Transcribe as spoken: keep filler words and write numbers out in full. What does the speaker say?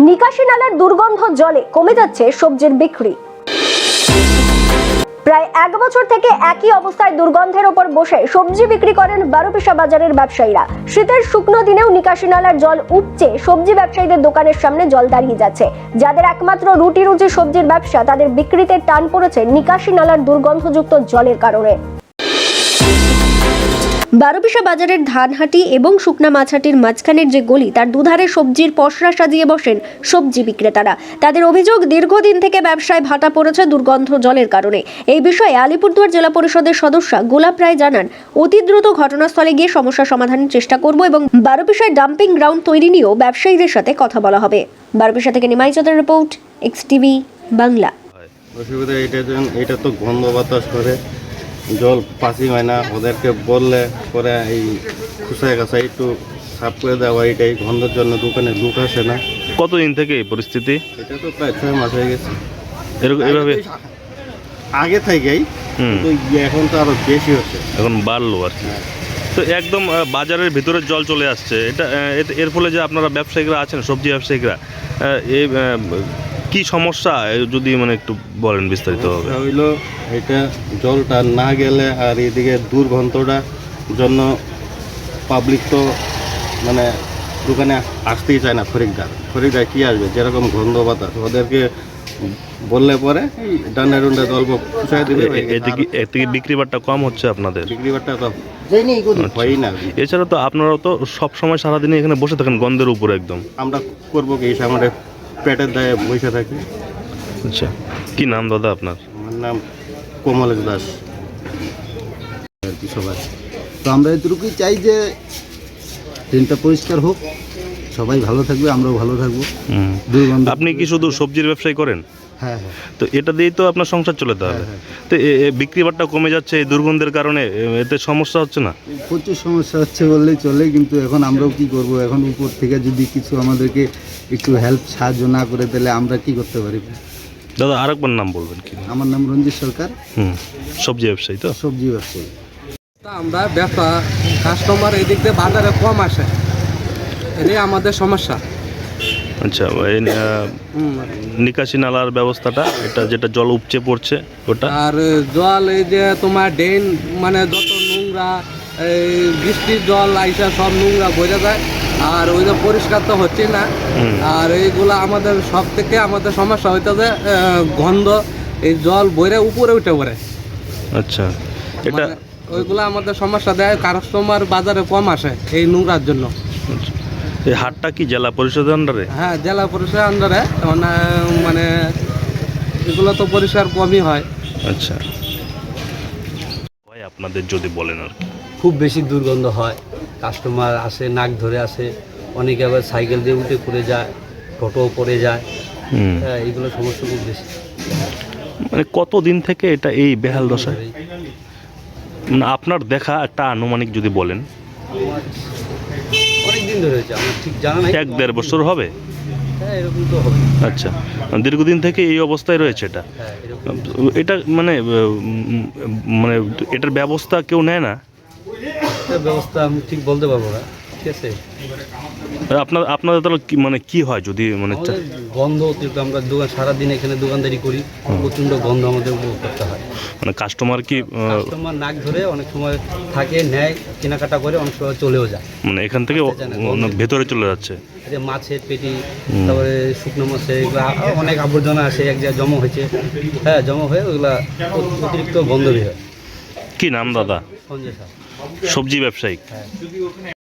নিকাশি নালার দুর্গন্ধ জলে কমে যাচ্ছে সবজির বিক্রি। প্রায় এক বছর থেকে একই অবস্থায় দুর্গন্ধের ওপর বসে সবজি বিক্রি করেন বারোপিসা বাজারের ব্যবসায়ীরা। শীতের শুকনো দিনেও নিকাশি নালার জল উপচে সবজি ব্যবসায়ীদের দোকানের সামনে জল দাঁড়িয়ে যাচ্ছে। যাদের একমাত্র রুটি রুজি সবজির ব্যবসা, তাদের বিক্রিতে টান পড়েছে নিকাশি নালার দুর্গন্ধযুক্ত জলের কারণে। বারোপিসা বাজারের ধানহাটি এবং শুকনা মাছহাটির মাঝখানের যে গলি, তার দুধারে সবজির পসরা সাজিয়ে বসেন সবজি বিক্রেতারা। তাদের অভিযোগ, দীর্ঘদিন থেকে ব্যবসায় ভাটা পড়েছে দুর্গন্ধ জলের কারণে। এই বিষয়ে আলিপুরদুয়ার জেলা পরিষদের সদস্য গোলাপ রায় জানান, অতি দ্রুত ঘটনাস্থলে গিয়ে সমস্যা সমাধানের চেষ্টা করব এবং বারোপিসায় ডাম্পিং গ্রাউন্ড তৈরি নিয়েও ব্যবসায়ীদের সাথে কথা বলা হবে। বারোপিসা থেকে নিমাই চাঁদের রিপোর্ট, এক্স টিভি বাংলা। অসুবিধা এটা এটা তো গন্ধ বাতাস করে, জল পাসি হয় না। ওদেরকে বললে পরে এই খুসায় কাছায় একটু সাফ করে দেওয়া, এটাই গন্ধের জন্য দোকানে লোক আসে না। কতদিন থেকে এই পরিস্থিতি? এটা তো প্রায় ছয় মাস হয়ে গেছে এরকম এভাবে আগে থেকেই, কিন্তু এখন তো আরো বেশি হচ্ছে, এখন বাড়লো আর কি। তো একদম বাজারের ভিতরে জল চলে আসছে। এটা এর ফলে যে আপনারা ব্যবসায়িকরা আছেন, সবজি ব্যবসায়িকরা, এই কি সমস্যা যদি মানে একটু বলেন বিস্তারিত হবে। হইলো এটা জলটা না গেলে আর এদিকে দুর্গন্ধটা জন্য পাবলিক তো মানে দোকানে আসতেই চায় না। খরিদ্দার খরিদ্দার কি আসবে, যেরকম গন্ধ বাতাস, ওদেরকে বললে পরে এই ডান্ডা ডুন্ডা অল্প খুশাই দিবে। এতে বিক্রি বাট্টা কম হচ্ছে আপনাদের? বিক্রি বাট্টা তো হয়ই না। এছাড়া তো আপনারাও তো সব সময় সারাদিনে এখানে বসে থাকেন গন্ধের উপরে একদম। আমরা করবো কি, আমাদের পেটের দায়ে বসে থাকি। আচ্ছা, কি নাম দাদা আপনার? আমার নাম কমলেশ দাস। আর কি সবাই তো আমরা এটুকুই চাই যে ট্রেনটা পরিষ্কার হোক, সবাই ভালো থাকবে, আমরাও ভালো থাকবো। দুর্গন্ধ। আপনি কি শুধু সবজির ব্যবসায় করেন? হ্যাঁ হ্যাঁ। তো এটা দিয়েই তো আপনার সংসার চলে তাহলে। তো বিক্রি বাট্টা কমে যাচ্ছে এই দুর্গন্ধের কারণে, এতে সমস্যা হচ্ছে না? প্রচুর সমস্যা হচ্ছে বললেই চলে, কিন্তু এখন আমরাও কি করব? এখন উপর থেকে যদি কিছু আমাদেরকে একটু হেল্প সাহায্য না করে, তাহলে আমরা কি করতে পারি? দাদা আরেকবার নাম বলবেন কি? আমার নাম রঞ্জিত সরকার। হুম, সবজি ব্যবসায়ী তো? সবজি ব্যবসায়ী। আমরা ব্যবসা কাস্টমার এই দিক দিয়ে বাজারে কম আসে, এটাই আমাদের সমস্যা। আচ্ছা, এই নিকাশি নালার ব্যবস্থাটা, এটা যেটা জল উপচে পড়ছে ওটা, আর জল এই যে তোমার ড্রেন মানে যত নোংরা, এই বৃষ্টির জল আইসা সব নোংরা বোঝা যায়, আর ওই যে পরিষ্কার তো হচ্ছে না। আর এইগুলা আমাদের সব থেকে আমাদের সমস্যা হইতেছে গন্ধ, এই জল বইরে উপরে উঠে পড়ে। আচ্ছা, এটা ওইগুলো আমাদের সমস্যা দেয়, কাস্টমার বাজারে কম আসে এই নোংরার জন্য। এই হাটটা কি জেলা পরিষদের আন্ডারে? হ্যাঁ, জেলা পরিষদের আন্ডারে, মানে এগুলো তো পরিষ্কার কমই হয়। আচ্ছা, ভাই আপনাদের যদি বলেন আর কি। খুব বেশি দুর্গন্ধ হয়, কাস্টমার আসে নাক ধরে আসে, অনেকে আবার সাইকেল দিয়ে উঠে পড়ে যায়, টোটো পড়ে যায়। হ্যাঁ, এইগুলো সমস্যা খুব বেশি। মানে কতদিন থেকে এটা এই বেহাল দশায়? মানে আপনার দেখা একটা আনুমানিক যদি বলেন। অনেক দিন ধরে হয়েছে, আমার ঠিক জানা নাই। এক দেড় বছর হবে? হ্যাঁ, এরকম তো হবে। আচ্ছা, দীর্ঘদিন থেকে এই অবস্থায় রয়েছে এটা। হ্যাঁ, এরকম। এটা মানে মানে এটার ব্যবস্থা কেউ নেয় না? এটার ব্যবস্থা আমি ঠিক বলতে পারবো না, ঠিক আছে। আপনার আপনাদের তাহলে কি মানে কি হয় যদি মানে আমাদের গন্ধ অতিরিক্ত, আমরা দোকান সারাদিন এখানে দোকানদারি করি, প্রচণ্ড গন্ধ আমাদের উপভোগ করতে হয়। মানে কাস্টমার কি কাস্টমার নাক ধরে অনেক সময় থাকে, নেয়, কেনাকাটা করে, অনেক সময় চলেও যায়। মানে এখান থেকে ভেতরে চলে যাচ্ছে। যে মাছের পেটি, তারপরে শুকনো মাছের এগুলো অনেক আবর্জনা আসে, এক জায়গায় জমা হয়েছে। হ্যাঁ, জমা হয়ে ওইগুলা অতিরিক্ত গন্ধ বের হয়। কি নাম দাদা? সঞ্জয় স্যার, সবজি ব্যবসায়ী। হ্যাঁ।